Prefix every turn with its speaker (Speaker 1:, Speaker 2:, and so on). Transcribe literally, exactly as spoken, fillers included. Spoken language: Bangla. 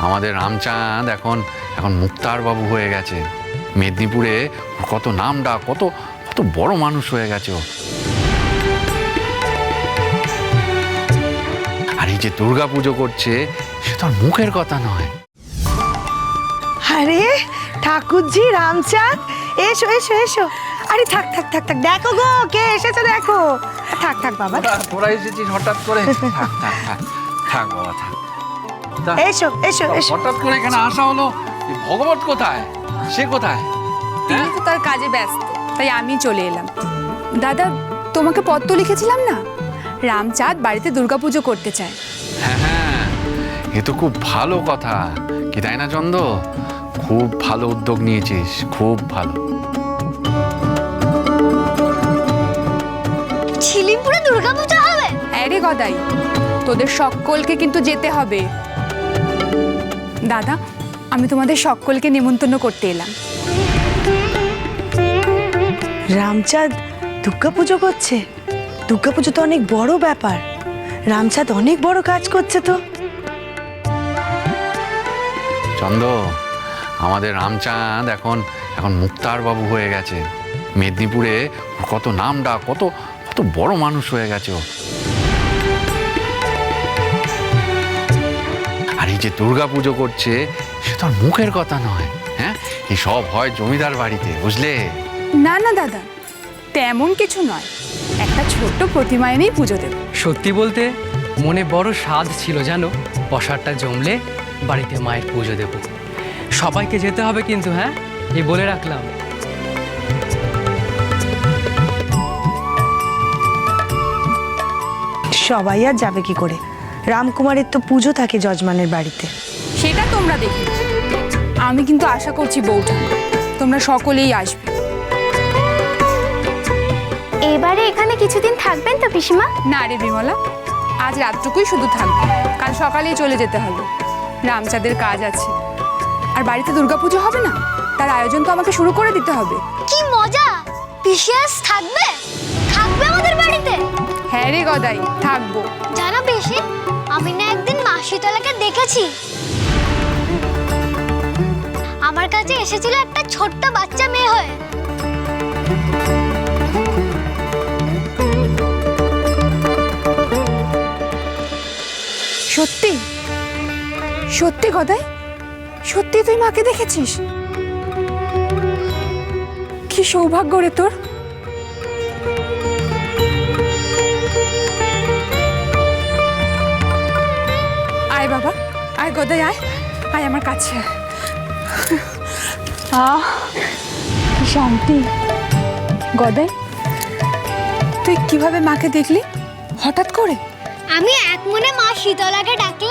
Speaker 1: আমাদের রামচাঁদ এখন এখন মুক্তার বাবু হয়ে গেছে। মেদিনীপুরে কত নাম ডাক, কত কত বড় মানুষ হয়ে গেছে ও। আর এই যে দুর্গা পুজো করছে, সে তো আর মুখের কথা নয়।
Speaker 2: আরে ঠাকুরজি, রামচাঁদ, এসো এসো এসো। আরে থাক থাক থাক থাক, দেখো গো কে এসেছে দেখো। থাক থাক বাবা,
Speaker 1: তোরা এসেছিস হঠাৎ করে? থাক থাক থাক থাক বাবা থাক।
Speaker 2: এসো এসো এসো।
Speaker 1: হঠাৎ করে এখানে আসা হলো, ভগবত কোথায়? সে কোথায়?
Speaker 3: তিনি তো তার কাজে ব্যস্ত, তাই আমি চলে এলাম। দাদা, তোমাকে পত্র লিখেছিলাম না, রামচাঁদ বাড়িতে দুর্গাপুজো করতে চায়।
Speaker 1: হ্যাঁ হ্যাঁ, এ তো খুব ভালো কথা, কি তাই না চন্দ? খুব ভালো উদ্যোগ নিয়েছিস, খুব ভালো।
Speaker 4: ঝিলিমপুরে দুর্গাপূজা হবে?
Speaker 3: হ্যাঁ রে গদাই, তোদের সকলকে কিন্তু যেতে হবে। দাদা, আমি তোমাদের সকলকে নিমন্ত্রণ করতে এলাম।
Speaker 2: রামচাঁদ দুর্গাপুজো করছে? দুর্গাপুজো তো অনেক বড় ব্যাপার, রামচাঁদ অনেক বড় কাজ করছে তো।
Speaker 1: চন্দ, আমাদের রামচাঁদ এখন এখন মুক্তার বাবু হয়ে গেছে। মেদিনীপুরে কত নাম ডাক, কত কত বড় মানুষ হয়ে গেছে ও। আর এই যে দুর্গা পুজো করছে, সে তো আর মুখের কথা নয়। হ্যাঁ, এই সব হয় জমিদার বাড়িতে, বুঝলে?
Speaker 3: না না দাদা, তেমন কিছু নয়, একটা ছোট্ট প্রতিমা এনেই পুজো দেব।
Speaker 5: সত্যি বলতে মনে বড় স্বাদ ছিল জানো, প্রসাদটা জমলে বাড়িতে মায়ের পুজো দেব। সবাইকে যেতে হবে কিন্তু, হ্যাঁ, এই বলে রাখলাম।
Speaker 2: সবাই আর যাবে কি করে? রামকুমারের তো পুজো থাকে যজমানের বাড়িতে।
Speaker 3: সেটা তোমরা দেখে, আমি কিন্তু আশা করছি বউটা তোমরা সকলেই আসবে।
Speaker 4: এবারে এখানে কিছুদিন থাকবেন তো পিসিমা?
Speaker 3: না রে বিমলা, আজ রাতটুকুই শুধু থাকবে, কাল সকালেই চলে যেতে হবে। রামচাঁদের কাজ আছে, আর বাড়িতে দুর্গাপুজো হবে না, তার আয়োজন তো আমাকে শুরু করে দিতে হবে।
Speaker 4: কি মজা! পিসি আজ থাকবে থাকবে আমাদের বাড়িতে?
Speaker 3: হ্যাঁ রে গদাই, থাকবো।
Speaker 4: জানো পিসি, আমি না একদিন মাসিতলাকে দেখেছি। আমার কাছে এসেছিল একটা ছোট্ট বাচ্চা মেয়ে হয়ে।
Speaker 3: সত্যি সত্যি গদাই, সত্যি তুই মাকে দেখেছিস? কি সৌভাগ্য রে তোর। আয় বাবা, আয় গদাই, আয় আয় আমার কাছে। আহ, কি শান্তি। গদাই, তুই কিভাবে মাকে দেখলি হঠাৎ করে?
Speaker 4: আমি এক মনে মা শীতলাকে ডাকলাম,